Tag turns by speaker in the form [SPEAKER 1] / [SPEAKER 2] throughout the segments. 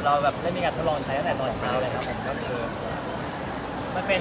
[SPEAKER 1] เราแบบได้มีการทดลองใช้ตั้งแต่ตอนเช้าเลยครับผมก็คือมันเป็น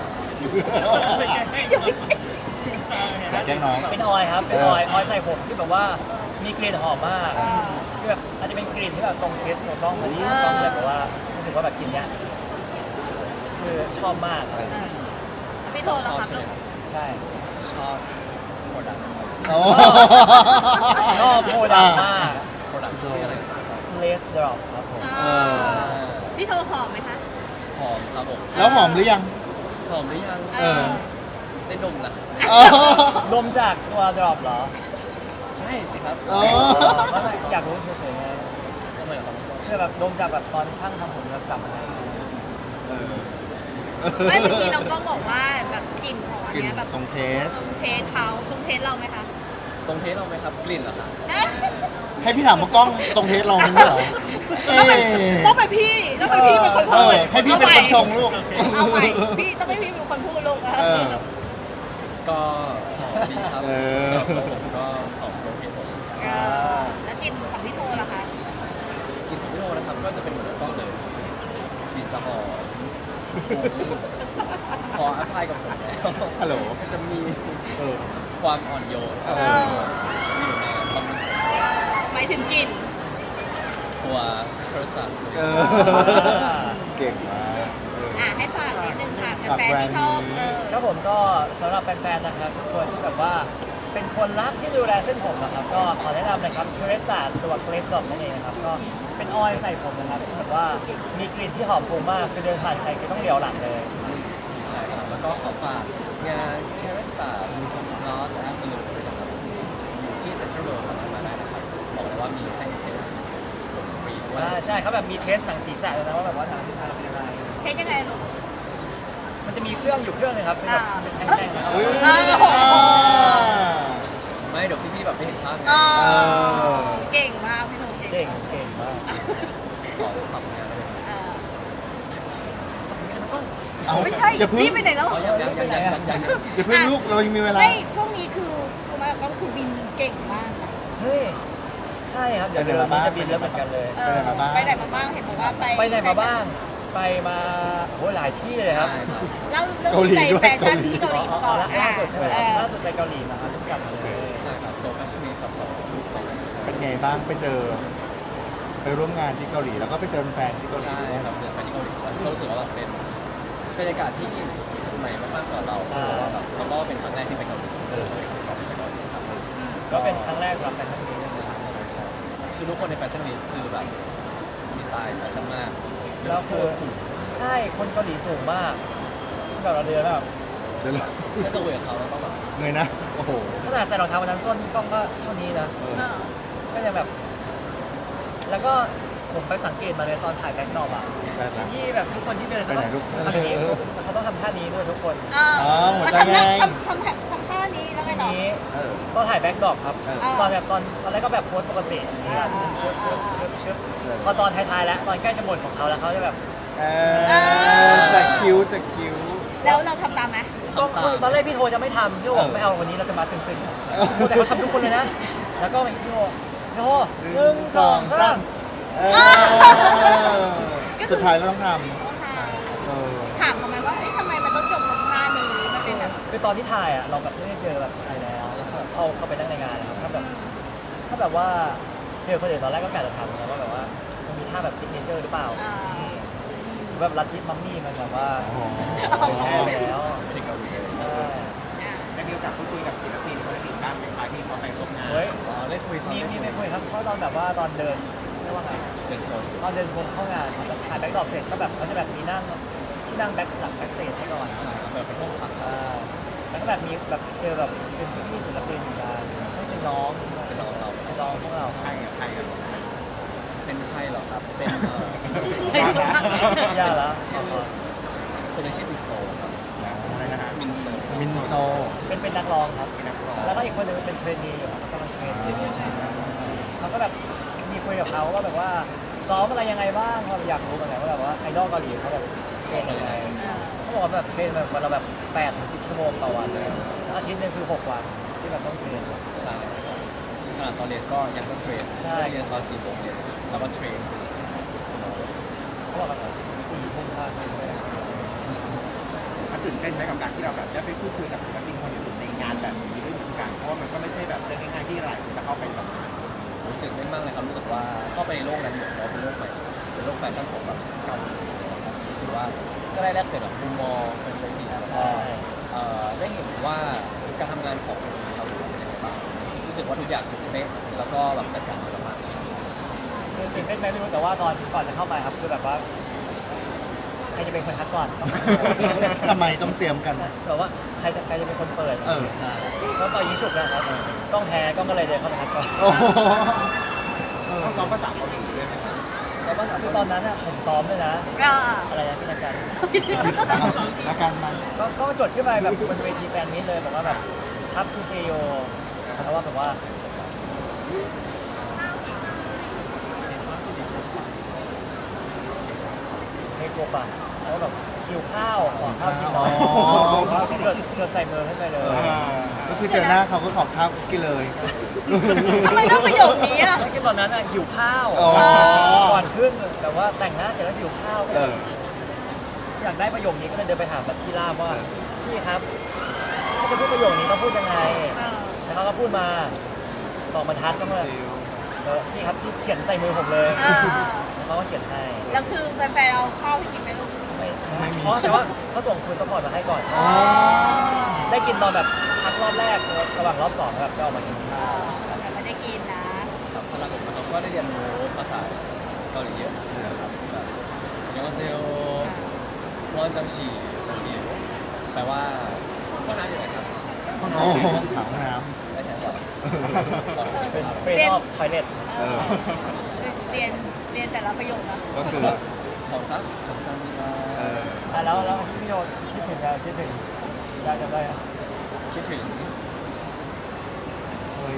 [SPEAKER 2] อยากแกล้งน้อง
[SPEAKER 1] เป็นออยล์ครับเป็นออยล์ใส่ผมที่แบบว่ามีกลิ่นหอมมากที่แบบอาจจะเป็นกลิ่นที่แบบตรงเทสของต้องพอดีต้องเลยแบบว่ารู้สึกว่าแบบกินเนี้ยคือชอบมากครับ
[SPEAKER 3] พี่โทรแล้วครับลูก
[SPEAKER 1] ใช่
[SPEAKER 4] ชอบโปรดักต์
[SPEAKER 2] โอ้
[SPEAKER 1] ชอบโปรดักต์มาก
[SPEAKER 4] โปรดักต์ชื่ออะไรครับ
[SPEAKER 1] Lace Drop ครับผม
[SPEAKER 3] พี่โทรหอมไหมคะ
[SPEAKER 4] หอมครับผม
[SPEAKER 2] แล้วหอมหรือยัง
[SPEAKER 4] หอมหรือยัง
[SPEAKER 2] เออ
[SPEAKER 4] ได้ดมแล้ว
[SPEAKER 2] อ๋อ
[SPEAKER 1] รวมจากตัว Drop เหรอ
[SPEAKER 4] ใช่สิครับ
[SPEAKER 2] อ๋อ
[SPEAKER 1] ไม่อยากรู้เฉยๆไง
[SPEAKER 4] ทำไมครับ
[SPEAKER 1] คือแบบดมจากแบบตอนช่างทำผมแล้วกลับมาให้
[SPEAKER 2] เออ
[SPEAKER 3] ไม่เมื่อกี้น้องกล้องบอกว่าแบบกลิ่นของอัน
[SPEAKER 2] กลิ่น
[SPEAKER 3] เนี้ยแบบ
[SPEAKER 2] ตรงเทส
[SPEAKER 3] ตรงเทสเขาตรงเทสเราไหมคะ
[SPEAKER 4] ตรงเทสเราไหมครับกลิ่นเหรอครับ
[SPEAKER 2] ให้พี่ถามว่ากล้องตรงเทสเราไม่ใช่เหรอเอ๊ะ
[SPEAKER 3] ต้องเป็นพี่เป็นคน
[SPEAKER 2] เอ
[SPEAKER 3] พู
[SPEAKER 2] อ
[SPEAKER 3] ด
[SPEAKER 2] ให้พี่เป็นคนชงลูก
[SPEAKER 3] เอาใหม่พี่ต้องเป็นพี่เป็นคนพูดลูก
[SPEAKER 2] เออ
[SPEAKER 4] ก็หอมดีครับ
[SPEAKER 2] เออ
[SPEAKER 4] สำหรับตัวผมก็หอมตรงเทสผม
[SPEAKER 3] แล้วกลิ่นของพี่โทล่ะคะ
[SPEAKER 4] กลิ่นของพี่โอนะครับก็จะเป็นเหมือนกล้องเลยกลิ่นจะหอมพออัพพลายกับผมแล้ว
[SPEAKER 2] ฮัลโหล
[SPEAKER 4] ก็จะมี
[SPEAKER 2] เออ
[SPEAKER 4] ความอ่อนโยนครับ
[SPEAKER 2] เออ
[SPEAKER 4] อยู่ในบำรุง
[SPEAKER 3] หมายถึงกลิ่น
[SPEAKER 4] ตัวเคอร์สตัส
[SPEAKER 2] เออ เก่งมากเออ
[SPEAKER 3] ให้ฝากนิดนึงค่ะ
[SPEAKER 2] ฝาก
[SPEAKER 3] แฟน
[SPEAKER 2] แบรนด์
[SPEAKER 3] ๆที่ชอบ
[SPEAKER 2] นี้
[SPEAKER 1] ครับผมก็สำหรับแฟนๆนะครับทุกคนที่แบบว่าเป็นคนรักที่ดูแลเส้นผมนะครับก็ขอแนะนำนะครับ c u r e s t a ตัว Glaze Dot นั่นเองนะครับก็เป็นออยล์ใส่ผมนะครับที่แบบว่ามีกลิ่นที่หอมฟุ้งมากคือเดินผ่านใครก็ต้องเลี้ยวหลังเลย
[SPEAKER 4] ใช่ครับ แล้วก็ขอฝากงาน c a r e s t a Lost Absolute ด้วยนะครับอยู่ที่ Central World สามารถมาได้นะครับ บอกเลยว่ามีให้เทสผมฟรีด้วย
[SPEAKER 1] ใช่เขาแบบมีเทสหนังศีรษะเลยนะว่าแบบว่าหนังศีรษะเป็นยังไง
[SPEAKER 3] เทสยังไงลูก
[SPEAKER 1] มันจะมีเครื่องอยู่เครื่องหนึงครับเป็นแบบเป็นแท่งๆนะครับ
[SPEAKER 2] อุ๊ย
[SPEAKER 4] ไม่เดี๋ยวพี่ๆแบบไม่เห็นภาพไง
[SPEAKER 3] เก่งมากพี่โทเก่ง
[SPEAKER 1] เก่งมาก
[SPEAKER 4] ขอทำงานได้ไหม
[SPEAKER 2] เอา
[SPEAKER 3] ไม่ใช่
[SPEAKER 2] อย่าเพิ่ง
[SPEAKER 3] รีบไปไหนแล้ว
[SPEAKER 4] อ๋อยังยัง
[SPEAKER 2] อย่าเพิ่งลูกเรายังมีเวลา
[SPEAKER 3] ไม่ช่วงนี้คือคุณแม่ก็คือบินเก่งมากค่ะ
[SPEAKER 1] เฮ้ยใช่ครับเดี๋ยว
[SPEAKER 2] ไปไหน
[SPEAKER 1] เดือน
[SPEAKER 2] มา
[SPEAKER 1] นี้
[SPEAKER 2] บ้าง
[SPEAKER 1] จะบินแล้วเหมือนกันเลย
[SPEAKER 2] ไปไหนมาบ้าง
[SPEAKER 3] ไปไหนมาบ้างเห็นบอกว่าไป
[SPEAKER 1] ไปไหนมาบ้าง ไปมาโหหลายที่เลยครับ
[SPEAKER 4] ใช่ครับ
[SPEAKER 3] เล่าเรื่องที่ไปแฟชั่นที่เกาหลีมาก่อน
[SPEAKER 1] ล่าสุดใช่ไหม
[SPEAKER 3] เออ
[SPEAKER 1] ล่าสุดไปเกาหลีมาครับเพิ่งกลับมาเลย
[SPEAKER 4] ใช่ครับโซฟาชั่นวีค2
[SPEAKER 2] เป็นไงบ้างไปเจอ ไปร่วมงานที่เกาหลีแล้วก็ไปเจอแฟนที่เกาหลี
[SPEAKER 4] ใช่
[SPEAKER 2] ด้วย
[SPEAKER 4] ครับเดินไปที่เกาหลีแล้วก็รู้สึกว่าแบบเป็นบรรยากาศที่ใหม่มากๆสำหรับเราเพราะว่าแบบเราก็เป็นครั้งแรกที่ไปเกาหลีเป็นครั้งสองที่ไปเกาหลีครับ
[SPEAKER 1] ก็เป็นครั้งแรกสำหรับแฟนคลับนี้เลย
[SPEAKER 4] ใช่ใช่ใช่คือทุกคนในแฟชั่นวีคคือแบบมีสไตล์แฟชั่นมาก
[SPEAKER 1] แล้วคือใช่คนเกาหลีสูงมากที่แบบเราเดินแบบ
[SPEAKER 2] เดี๋ยวเรา
[SPEAKER 4] ถ้าจะเวทเขาเราต้องแบบ
[SPEAKER 2] เงยนะ โอ้โห
[SPEAKER 1] ขนาดใส่รองเท้าวันนั้นส้นกล้องก็เท่านี้นะ
[SPEAKER 2] เออ
[SPEAKER 1] ก็ยังแบบ แล้วก็ผมไปสังเกตมาเลยตอนถ่ายแบ็คดรอปอ่ะ
[SPEAKER 2] ได้ละ
[SPEAKER 1] ที่แบบทุกคนที่เดินเขา
[SPEAKER 2] ไปไหนลูก
[SPEAKER 1] ทำอย่างนี้เขาต้องทำท่านี้ด้วยทุกคน
[SPEAKER 2] หัว
[SPEAKER 3] มา
[SPEAKER 2] ใจ
[SPEAKER 3] ทำหน้า
[SPEAKER 2] ไง
[SPEAKER 3] ทำท่านี้แล้วไงต่อ
[SPEAKER 1] นี้
[SPEAKER 2] เออ
[SPEAKER 1] ตอนถ่ายแบ็คดรอปครับ
[SPEAKER 2] เออ
[SPEAKER 1] ตอนแบบตอนแรกก็แบบโพสปกติชึบพอตอนท้ายๆแล้วตอนใกล้จะหมดของเขาแล้วเขาจะแบบ
[SPEAKER 2] เออจะคิ้วจะคิ้ว
[SPEAKER 3] แล้วเราทำตามไหม
[SPEAKER 1] ก็คือตอนแรกพี่โทจะไม่ทำพี่โทบอกไม่เอาวันนี้เราจะมาตึงๆแต่เขาทำทุกคนเลยนะ แล้วก็พี่โทหนึ่งสองสาม
[SPEAKER 2] เออสุดท้ายก็ต้องทำเออ
[SPEAKER 3] ถามทำไมว่าทำไมมันต้องจบตรงท่านี้มันเป็นแบบ
[SPEAKER 1] คือตอนที่ถ่ายอ่ะเราแบบไม่ได้เจอแบบใครแล้วเข้าไปนั่งในงานนะครับถ้าแบบว่าเจอคนอื่นตอนแรกก็กะจะทำนะว่าแบบว่ามันมีท่าแบบซิกเนเจอร์หรือเปล่าแบบลัทธิมัมมี่มันแบบว่าเป็นแน่ไปแล้ว
[SPEAKER 4] ไม่ได้เกาหลีเลย
[SPEAKER 5] ได้มีโอกาสพูดคุยกับศิลปินคนอื่นบ้างไหมคะที่เขาไปร่วมงาน
[SPEAKER 1] เฮ้ย
[SPEAKER 4] อ๋อได้คุยเขา
[SPEAKER 1] มีไม่คุยครับเพราะตอนแบบว่าตอนเดินเรียกว่าไง
[SPEAKER 4] เป็นคน
[SPEAKER 1] ตอนเดินวนเข้างานครับถ่ายแบ็คดรอปเสร็จก็แบบเขาจะแบบมีนั่งที่นั่งแบ็คหลังแบ็คสเตจให้ก่อน
[SPEAKER 4] ใช่ครับแบบเป็นห้องพักครับ
[SPEAKER 1] แล้วก็แบบมีแบบเจอแบบเป็นพี่ศิลปินอยู่นะให้เป็นน้อง
[SPEAKER 4] เป็นน้องเรา
[SPEAKER 1] เป็นน้องพวกเรา
[SPEAKER 5] ใครกับใครกัน
[SPEAKER 4] เป็นใครเหรอครับ เป็น
[SPEAKER 1] ย่าละ
[SPEAKER 4] ชื่อคนนี้ชื่อมินโซครับ
[SPEAKER 5] อะไรนะฮะ
[SPEAKER 4] มินโซ
[SPEAKER 2] มินโซ
[SPEAKER 1] เป็นนักร้องครับ
[SPEAKER 5] เป็นนักร้อง
[SPEAKER 1] แล้วก็อีกคนหนึงเป็นเทรนนีอยู่ครับกำลังเทรนเขาก็แบบมีคุยกับเขาว่าแบบว่าซ้อมอะไรยังไงบ้างเขาอยากรู้เหมือนกันว่าแบบว่าไอดอลเกาหลีเขาแบบเทรนยังไงเขาบอกว่าแบบเทรนแบบวันละแบบ8 ถึง 10 ชั่วโมงต่อวันเลยแล้วอาทิตย์หนึงคือ6 วันที่แบบต้องเทรน
[SPEAKER 4] ใช่ครับขณะตอนเรียนก็ยังต้องเทรน
[SPEAKER 1] ใช่
[SPEAKER 4] เรียนตอน4 โมงเย็นแล้วก็เทรน
[SPEAKER 5] ช้กับการที่เราแบบได้ไปพูดคุยกับศิลปินคนอื่นในงานแบบนี้ด้วยเหมือนกันเพราะว่ามันก็ไม่ใช่แบบเรื่องง่ายๆที่หลายคนจะเข้าไปทำงาน
[SPEAKER 4] ผมตื่นเต้นมากเลยครับรู้สึกว่าเข้าไปในโลกนั้นเหมือนเราเป็นโลกใหม่เป็นโลกแฟชั่นของแบบเกาหลีนะครับรู้สึกว่าก็ได้แลกเปลี่ยนแบบมุมมองเปอร์สเปกทีฟแล้วก็ได้เห็นว่าการทำงานของเกาหลีเป็นยังไงบ้างรู้สึกว่าทุกอย่างถูกเป๊ะแล้วก็แบบจัดการดีมาก
[SPEAKER 1] คือตื่นเต้นไหมไม่รู้แต่ว่าก่อนจะเข้าไปครับคือแบบว่าใครจะเป็นคนทักก่อน
[SPEAKER 2] ทำไมต้องเตรียมกัน
[SPEAKER 1] แบบว่าใครจะเป็นคนเปิด
[SPEAKER 2] เออ
[SPEAKER 4] ใช่
[SPEAKER 1] ก็ต่อยิงฉุบนะครับกล้องแพ้กล้องก็เลยเดินเข้าไปทักก่อน
[SPEAKER 2] โอ้โห
[SPEAKER 5] ต้องซ้อมภาษาเกาหลีด้วยไหมครับ
[SPEAKER 4] ใช่ภาษา
[SPEAKER 1] คือตอนนั้นอะผมซ้อมด้วยนะ
[SPEAKER 3] ก็
[SPEAKER 1] อะไรนะพี่นักการ
[SPEAKER 2] แล้วกันมัน
[SPEAKER 1] ก็จดขึ้นไปแบบบนเวทีแฟนมิตเลยบอกว่าแบบทับทูเซโยแล้วว่าแบบว่าให้กบอ่ะแล้วแบบหิวข้าวขอข้าวกินหน่อย
[SPEAKER 2] อ๋อ
[SPEAKER 1] จดใส่มือขึ้นไปเลย
[SPEAKER 2] เออก็คือเจอหน้าเขาก็ขอข้าวกินเลย
[SPEAKER 3] ทำไมต้องประโยคนี้อ่ะ
[SPEAKER 1] ไม่กินตอนนั้นอ่ะหิวข้าว
[SPEAKER 2] อ๋อ
[SPEAKER 1] ก่อนขึ้นแต่ว่าแต่งหน้าเสร็จแล้วหิวข้าวก็
[SPEAKER 2] เออ
[SPEAKER 1] อยากได้ประโยคนี้ก็เลยเดินไปถามแบบที่ล่ามว่าพี่ครับถ้าจะพูดประโยคนี้ต้องพูดยังไง แล้วเขาก็พูดมา2 บรรทัดก็เมื่อพี่ครับพี่เขียนใส่มือผมเลยแล้วเขาก็เขียนให้
[SPEAKER 3] แล้วคือแฟนๆเอาข้าวไปกินไหมลูก
[SPEAKER 1] ไม่เพราะแต่ว่าเขาส่งฟูดซัพพอร์ตมาให้ก่อน
[SPEAKER 2] อ๋อ
[SPEAKER 1] ได้กินตอนแบบพักรอบแรกระหว่างรอบ2แบบก็เอามากินข้าว
[SPEAKER 3] แต่ไม่ได้กินนะ
[SPEAKER 4] ครับสำหรับผมนะครับก็ได้เรียนรู้ภาษาเกาหลีเยอะนะครับแบบยองเซลรอนจังชีอิวแปลว่าห้องน้ำอยู่ไหนครับ
[SPEAKER 2] โอ้โหถามน้
[SPEAKER 4] ได้ใช้ก่อน
[SPEAKER 1] เป็นเฟรนออฟทอยเล็ต
[SPEAKER 2] ำเออ
[SPEAKER 3] เรียนแต่ละประโยคนะ
[SPEAKER 2] ก็คือ
[SPEAKER 4] ขอบครับผมซันนี่มา
[SPEAKER 2] เออ
[SPEAKER 1] แล้วพี่โดคิดถึงแล้วคิดถึงได้จำได้อะ
[SPEAKER 4] คิดถึง
[SPEAKER 2] เฮ้ย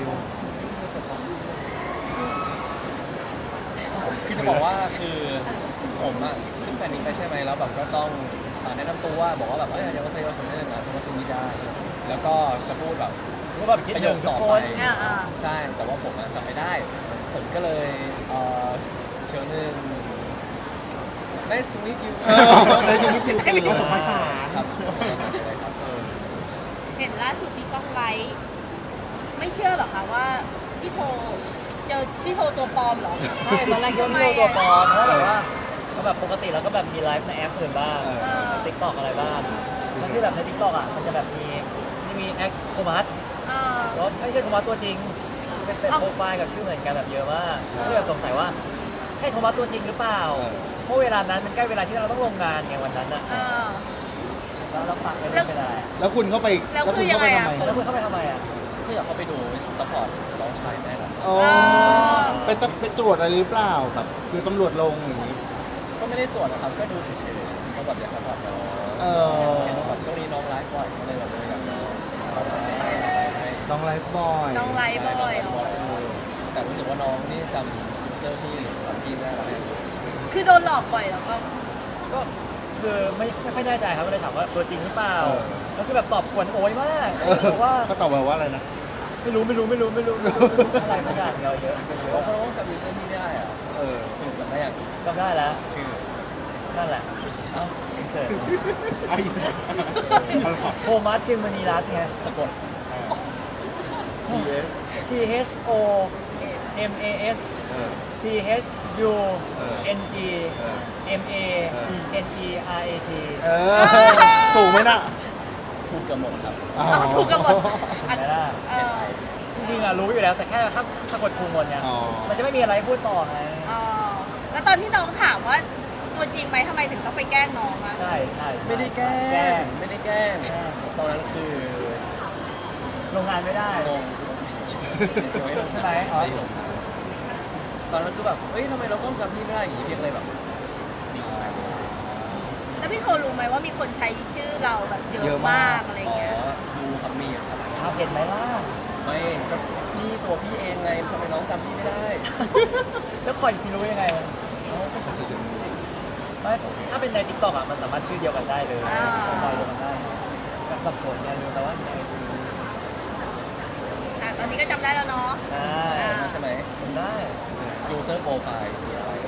[SPEAKER 4] คือจะบอกว่าคือผมอะขึ้นแฟนนี้ไปใช่ไหมแล้วแบบก็ต้องแนะนำตัวว่าบอกว่าแบบยองเซลสมเด็จนะโทมัสมิดาแล้วก็จะพูดแบบ
[SPEAKER 1] ก็แบบคิด
[SPEAKER 4] ประ
[SPEAKER 1] ถึ
[SPEAKER 4] โย
[SPEAKER 1] ง
[SPEAKER 4] ค
[SPEAKER 1] ทุ
[SPEAKER 4] ต่
[SPEAKER 1] ก
[SPEAKER 4] อ
[SPEAKER 1] ค
[SPEAKER 4] ไป
[SPEAKER 1] น
[SPEAKER 4] ใช่ แต่ว่าผมอะจำไม่ได้ ผมก็เลยเชิญหนึ่ง nice to meet you
[SPEAKER 2] เออในชีวิตจริงคือ
[SPEAKER 5] ผสมผสาน
[SPEAKER 4] ครับครับ
[SPEAKER 3] เห็นล่าสุดที่กล้องไลฟ์ไม่เชื่อหรอคะว่าพี่โทเจอพี่โทตัวปลอมเหรอ
[SPEAKER 1] ใช่ตอนแรกคิดว่าพี่โดตัวปลอมเพราะแบบว่าก็แบบปกติเราก็แบบมีไลฟ์ในแอปอื่นบ้าง
[SPEAKER 2] เออ
[SPEAKER 1] ติ๊กต็อกอะไรบ้างแล้วที่แบบในติ๊กต็อกอ่ะมันจะแบบมีแอคโทมัส
[SPEAKER 3] เออ
[SPEAKER 1] แล้วไม่ใช่โทมัสตัวจริงเป็นโปรไฟล์กับชื่อเหมือนกันแบบเยอะมากก็เลยแบบสงสัยว่าใช่โทมัสตัวจริงหรือเปล่า เพราะเวลานั้นมันใกล้เวลาที่เราต้องลงงานไงวันนั้นอ่ะ
[SPEAKER 3] เออ
[SPEAKER 1] แล้วเราปักไม่ได้
[SPEAKER 2] แล้วคุณเข้าไป
[SPEAKER 3] แล้วคือยังไงอะ
[SPEAKER 2] ทำ
[SPEAKER 1] แล้วคุณเข้าไปทำไมอ่ะ
[SPEAKER 4] ก็อยากเข้าไปดูซัพพอร์ตน้องชายแน่นอน
[SPEAKER 2] โอ้ไปตรวจอะไรหรือเปล่าแบบคือตำรวจลงอย่างนี้
[SPEAKER 4] ก็ไม่ได้ตรวจนะครับ ก็ดูเฉยๆก็แบบอยากซัพพอร์ตน้อง
[SPEAKER 2] เออ
[SPEAKER 4] เห็นว่าแบบช่วงนี้น้องไลฟ์บ่อยก็เลยแบบอยากน้องเราให้
[SPEAKER 2] น้องไลฟ์บ่อย
[SPEAKER 3] น้องไลฟ์บ่อยเหรอ
[SPEAKER 4] แต่รู้สึกว่าน้องนี่จำยูเซอร์พี่หรือจำพี่ไม่ได้แล้วเนี่ย
[SPEAKER 3] คือโดนหลอกบ่อยเหรอก็
[SPEAKER 1] ก็คือไม่ค่อยแน่ใจครับก็เลยถามว่าตัวจริงหรือเปล่าแล้วคือแบบตอบกวนโอยมาก
[SPEAKER 2] เออ
[SPEAKER 1] บอกว่า
[SPEAKER 2] เขาตอบมาว่าอะไรนะ
[SPEAKER 1] ไม่รู้อะไรสักอย่างเยอะเยอะ
[SPEAKER 4] บางคนก็จำยูเซอร์พี่ไม่ได้อะ
[SPEAKER 2] เออ
[SPEAKER 4] สรุปจำได้อย่าง
[SPEAKER 1] จำได้แล้ว
[SPEAKER 4] ชื่อ
[SPEAKER 1] นั่นแหละ
[SPEAKER 4] เอ้า
[SPEAKER 1] อินเสิร์ต
[SPEAKER 5] ไอ้สัส
[SPEAKER 1] โทมัสจึงมณีรัตน์ไง
[SPEAKER 4] สะกด
[SPEAKER 2] TS
[SPEAKER 1] T H O M A S
[SPEAKER 2] เออ
[SPEAKER 1] C H U N G M A N E R A T
[SPEAKER 2] เออ ถูกไหมน่ะ
[SPEAKER 4] ถูกกันหมดครับ
[SPEAKER 2] อ๋อ
[SPEAKER 3] ถูกกันหมด
[SPEAKER 1] เห็นไหมล่ะ
[SPEAKER 3] เออ
[SPEAKER 1] จริงๆอะรู้อยู่แล้วแต่แค่ถ้าสะกดถูกหมดเนี่ย
[SPEAKER 2] อ๋อ
[SPEAKER 1] มันจะไม่มีอะไรให้พูดต่อไง
[SPEAKER 3] อ๋อแล้วตอนที่น้องถามว่าตัวจริงไหมทำไมถึงต้องไปแกล้งน้องอะ
[SPEAKER 1] ใช่ใช่
[SPEAKER 4] ไม่ได้แกล้
[SPEAKER 1] แกล้
[SPEAKER 4] ง
[SPEAKER 1] ง
[SPEAKER 4] ไม่ได้แกล้ง
[SPEAKER 1] แกล้ง
[SPEAKER 4] ตอนนั้นคือ
[SPEAKER 1] ลงงานไม่ได้
[SPEAKER 4] งงไม่ลง
[SPEAKER 1] ใช่ไหมอ๋อ
[SPEAKER 4] ไม่ลงตอนนั้นคือแบบเฮ้ยทำไมเราต้องจำพี่ไม่ได้อย่างนี้เพียงเลยแบบดีไซน์
[SPEAKER 3] แล้วพี่โทรู้ไหมว่ามีคนใช้ชื่อเราแบบเย
[SPEAKER 2] เย
[SPEAKER 3] อะ
[SPEAKER 2] อะมาม
[SPEAKER 3] าก กอะไร
[SPEAKER 4] อ๋อ
[SPEAKER 3] เงี้ย
[SPEAKER 4] ดูครับมีครับ
[SPEAKER 1] เอาเห็นไหมล่ะ
[SPEAKER 4] ไม่ก็พี่ตัวพี่เองไงทำไมน้องจำพี่ไม่ได้
[SPEAKER 1] แล้วคอยซีรู้ยังไงเอาก็สงสัยไม่ถ้าเป็นในทิกตอกอะมันสามารถชื่อเดียวกันได้เลยลอยเดียวกันได้กับสับสนเนี่ยรู้แต่ว่าในไอจี
[SPEAKER 3] ตอนนี้ก็จำได้แล้วเนาะ
[SPEAKER 1] ใช่
[SPEAKER 4] ใช่ไหม
[SPEAKER 1] ผมได้
[SPEAKER 4] user profile สีอะไร
[SPEAKER 3] ส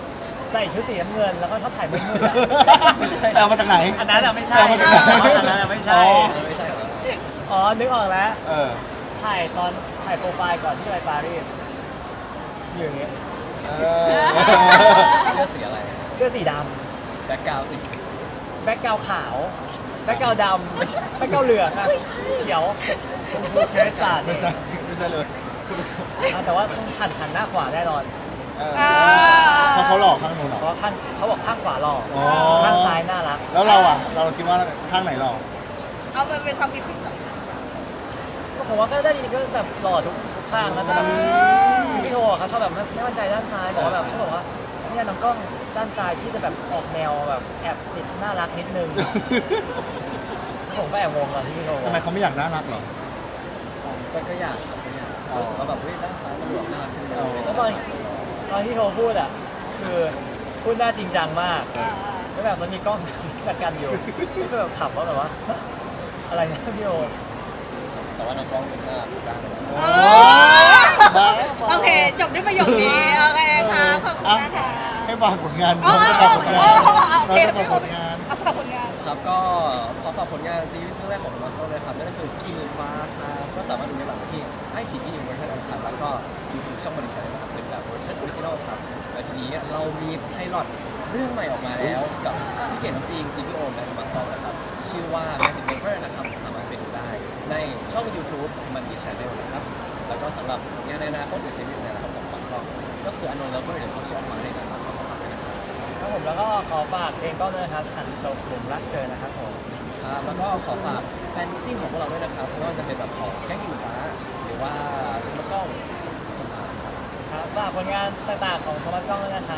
[SPEAKER 1] ใส่ชุดสีน้ำเงินแล้วก็ชอบถ่ายมืดๆอะ
[SPEAKER 2] เอามาจากไหน
[SPEAKER 1] อันนั้นอะไม่ใช่
[SPEAKER 2] เอามาจากไหน
[SPEAKER 1] อันนั้นอะไม่ใช่
[SPEAKER 2] อ๋อ
[SPEAKER 4] ไม่ใช่เหรอ
[SPEAKER 1] อ๋อนึกออกแล้ว
[SPEAKER 2] เออ
[SPEAKER 1] ถ่ายตอนถ่ายโปรไฟล์ก่อนที่ไปปารีสอยู่อย่างเงี้ย
[SPEAKER 2] เออ
[SPEAKER 4] เสื้อสีอะไร
[SPEAKER 1] เสื้อสีด
[SPEAKER 4] แบ็คกราวด์สี
[SPEAKER 1] ำแบ็คกราวด์ขาวแบ็คกราวด์ดำแบ็คกราวด์เหลืองอะเขียวชมพูเครสตาร์ด
[SPEAKER 2] ไม่ใช่ไม่ใช่เลย
[SPEAKER 1] แต่ว่าต้องหันหน้าขวาแน่นอน
[SPEAKER 2] เออเพราะเขาหลอกข้างนู้นเหรอ
[SPEAKER 1] เพราะข้างเขาบอกข้างขวาหล่อ
[SPEAKER 2] อ๋อ
[SPEAKER 1] ข้างซ้ายน่ารัก
[SPEAKER 2] แล้วเราอ่ะ เราคิดว่าข้างไหนหลอก
[SPEAKER 3] เอาไปเป็นความคิดผิดก่อน
[SPEAKER 1] ก็ผมว่าก็ได้ดีก็แบบหล่อทุกข้างนะแต่แบบพี่โทเขาชอบแบบไม่มั่นใจด้านซ้ายบอกว่าแบบเขาบอกว่าเนี่ยน้องกล้องด้านซ้ายที่จะแบบออกแนวแบบแอบติดน่ารักนิดนึงผมก็แอบงงตอนที่พี่โท
[SPEAKER 2] ทำไมเขาไม่อยากน่ารักเหรอ
[SPEAKER 4] ก็อยากครับก็อยากรู้สึกว่าแบบเฮ้ยด้านซ้ายมันดูแบบน่ารักจังเลย
[SPEAKER 1] แล้วตอนที่โทพูดอ่ะคือพูดหน้าจริงจังมากแล้วแบบมันมีกล้องกันอยู่ก็แบบขับว่าแบบว่าอะไรนะพี่โท
[SPEAKER 4] แต่ว่าน้องกล้องเป็นน่ารักด้านเลย
[SPEAKER 3] เอ
[SPEAKER 2] บ้า
[SPEAKER 3] โอเค จบด้วยประโยคนี้ โอเคค่ะขอบคุณนะคะ
[SPEAKER 2] ให้ฝากผลงาน
[SPEAKER 3] อ๋อ
[SPEAKER 2] น้องจะฝากผลงาน
[SPEAKER 3] โอเค
[SPEAKER 2] น้องจะฝากผลงาน
[SPEAKER 3] เอาฝากผลงาน
[SPEAKER 4] ครับก็ขอฝากผลงานซีรีส์เรื่องแรกของมาสโตเลยครับนั่นก็คือกินฟ้าครับก็สามารถดูได้แบบที่ไอชีอีเวอร์ชันอันคัดแล้วก็ยูทูบช่องบริษัทนะครับเป็นแบบเวอร์ชันออริจินอลครับและทีนี้เรามีไพลอตเรื่องใหม่ออกมาแล้วกับพี่เกดน้ำปิงจีพีโอมและมาสโตนะครับชื่อว่า Magic Maker นะครับสามารถไปดูได้ในช่อง YouTube มันดีชาแนลนะครับแล้วก็สำหรับผลงานในอนาคตหรือซีรีส์ในอนาคตของมาสโตก็คือ Unknown Lover เดี๋ยวเขาจะออกมาในนะครับก็ขอฝากด้วยนะครับ
[SPEAKER 1] ครับผมแล้วก็ขอฝากเพลงก็ด้วยนะครับฉันตกหลุมรักเธอนะครับผม
[SPEAKER 4] ครับแล้วก็ขอฝากแฟนมิตติ้งของพวกเราด้วยนะครับไม่ว่าจะเป็นแบบของแก๊งขิงฟ้า หรือว่ามัสก้องต่างๆครับ
[SPEAKER 1] ครับฝากผลงานต่างๆของโทมัสกล้องด้วยนะครับ